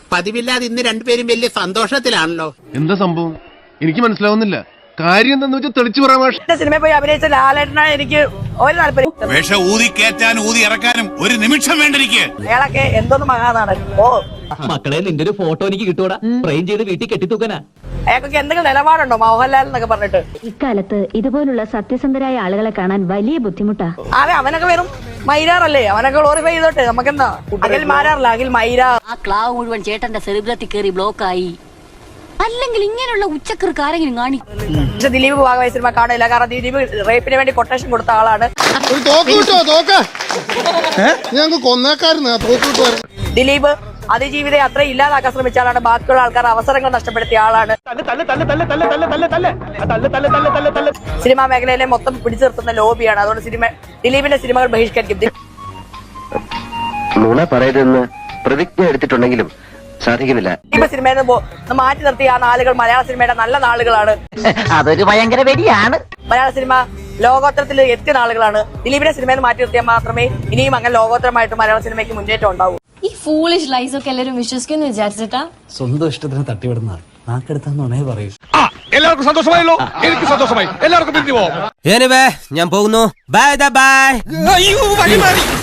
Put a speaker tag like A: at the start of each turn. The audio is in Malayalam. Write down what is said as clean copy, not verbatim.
A: പതിവില്ലാതെ ഇന്ന് രണ്ടുപേരും വലിയ സന്തോഷത്തിലാണല്ലോ.
B: എന്താ സംഭവം എനിക്ക് മനസ്സിലാവുന്നില്ല. കാര്യം എന്താന്ന് വെച്ചാൽ തെളിച്ചു പറയാൻ
C: സിനിമയിൽ പോയി അഭിനയിച്ച ലാലേട്ടനാണ് എനിക്ക് ഒരു താല്പര്യം.
D: വേഷം ഊതി കയറ്റാനും ഊതി ഇറക്കാനും ഒരു നിമിഷം വേണ്ടിരിക്കെ.
C: അയാളൊക്കെ എന്തോന്ന് മഹാനാണ്.
E: മക്കളെ നിന്റെ ഒരു ഫോട്ടോ എനിക്ക് കിട്ടൂടാ, ഫ്രെയിം ചെയ്ത് വീട്ടിൽ കെട്ടിത്തൂക്കാനാ.
C: അയാൾക്കൊക്കെ എന്തെങ്കിലും നിലപാടുണ്ടോ മോഹൻലാൽ എന്നൊക്കെ പറഞ്ഞിട്ട്?
F: ഇക്കാലത്ത് ഇതുപോലുള്ള സത്യസന്ധരായ ആളുകളെ കാണാൻ വലിയ ബുദ്ധിമുട്ടാ.
C: അതെ, അവനൊക്കെ വെറും മൈരാറല്ലേ, അവനൊക്കെ ഗ്ലോറിഫൈ ചെയ്തോട്ടെ. നമുക്കെന്താ അഖിൽ മാരാറില്ല, അഖിൽ മൈരാർ.
G: ആ ക്ലാവ് മുഴുവൻ ചേട്ടന്റെ സെറിബ്രത്തിൽ കയറി ബ്ലോക്ക് ആയി. അല്ലെങ്കിൽ ഇങ്ങനെയുള്ള ഉച്ചക്കർക്ക് ആരെങ്കിലും കാണി.
C: പക്ഷെ ദിലീപ് ഭാഗമായി സിനിമ കാണില്ല, കാരണം ദിലീപ് റേപ്പിന് വേണ്ടി കൊട്ടേഷൻ കൊടുത്ത ആളാണ്. ദിലീപ് അതിജീവിത അത്ര ഇല്ലാതാക്കാൻ ശ്രമിച്ച ആളാണ്. ബാക്കിയുള്ള ആൾക്കാർ അവസരങ്ങൾ നഷ്ടപ്പെടുത്തിയ ആളാണ്. സിനിമാ മേഖലയിലെ മൊത്തം പിടിച്ചു നിർത്തുന്ന ലോബിയാണ്. അതുകൊണ്ട് ദിലീപിന്റെ സിനിമകൾ ബഹിഷ്കരിക്കും.
H: നുണ പറയരുതെന്ന് പ്രതിജ്ഞ എടുത്തിട്ടുണ്ടെങ്കിലും സാധിക്കുന്നില്ല.
C: ദിലീപ് സിനിമയിൽ നിന്ന് മാറ്റി നിർത്തിയ ആ നാളുകൾ മലയാള സിനിമയുടെ നല്ല നാളുകളാണ്.
G: അതൊരു ഭയങ്കര വെടിയാണ്.
C: മലയാള സിനിമ ലോകോത്തരത്തിൽ എത്തിയ നാളുകളാണ്. ദിലീപിന്റെ സിനിമയിൽ മാറ്റി നിർത്തിയാൽ മാത്രമേ ഇനിയും അങ്ങനെ ലോകോത്തരമായിട്ട് മലയാള സിനിമയ്ക്ക് മുന്നേറ്റം ഉണ്ടാവൂ.
I: ഈ ഫൂളിഷ് ലൈസ് ഒക്കെ എല്ലാവരും വിശ്വസിക്കുന്നു വിചാരിച്ചിട്ടാ?
E: സ്വന്തം ഇഷ്ടത്തിന് തട്ടിവിടുന്ന നാക്കെടുത്താന്നുണേ പറയൂ.
B: എല്ലാവർക്കും സന്തോഷമായല്ലോ. എനിക്ക് സന്തോഷമായി. എല്ലാവർക്കും പിരിഞ്ഞു പോവാം.
E: ഞാൻ പോകുന്നു. Bye by.